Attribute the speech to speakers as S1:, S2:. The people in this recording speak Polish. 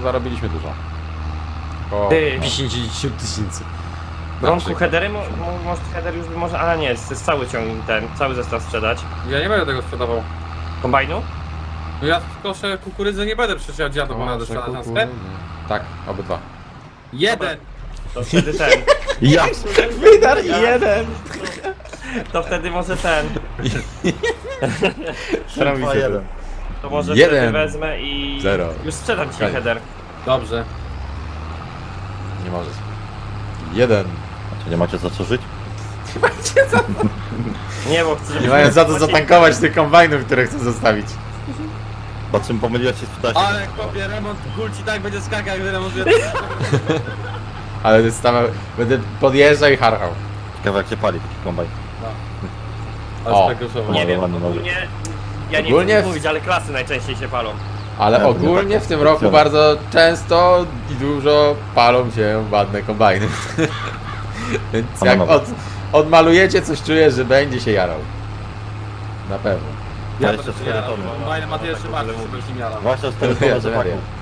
S1: zarobiliśmy dużo. Około
S2: Ty.
S1: 50 tysięcy.
S2: Bronku headery, może header już by może, ale nie, jest cały ciągnik ten, cały zestaw sprzedać.
S3: Ja nie będę tego sprzedawał.
S2: Kombajnu?
S3: No ja koszę kukurydzę nie będę przecież jadł dziadu, bo będę sprzedać na sklep.
S1: Tak, obydwa.
S3: Jeden!
S2: To wtedy ten.
S4: Ja!
S1: Wydar jeden!
S2: To wtedy może ten.
S1: Robi się to.
S2: To może
S1: Jeden.
S2: wtedy wezmę i
S1: Zero.
S2: już sprzedam ci
S1: Okej.
S2: header.
S3: Dobrze.
S1: Nie możesz. Jeden.
S4: A to nie macie za co żyć?
S2: Nie, bo chcę,
S1: Nie mają za to zatankować tych kombajnów, które chcę zostawić.
S4: Po czym pomyliłeś się spytać?
S3: Ale kopie remont kulci tak będzie skakał, gdy remontuje.
S1: Ale będę podjeżdżał i harchał.
S4: Ciekawe jak się pali taki kombajn.
S3: Ale
S1: O.
S3: spekusował.
S2: Nie wiem,
S4: ładnie, ładnie.
S2: ogólnie... Ja nie
S1: Ogólnie
S2: chcę
S1: w-
S2: mówić, ale klasy najczęściej się palą.
S1: Ale
S4: Ja to nie
S1: ogólnie
S4: tak
S1: w tym roku
S4: funkcjonuje.
S1: bardzo często i dużo palą się ładne kombajny. Więc jak
S4: Panowie.
S1: odmalujecie, coś czuję, że będzie się jarał. Na pewno.
S3: Ja
S4: jeszcze
S3: będę się
S4: 4
S3: jarał.
S4: tony.
S3: Fajne Mateusz Szymaczek, żeby się jarał.
S4: Właśnie z tego
S1: Ja
S4: rzepaku.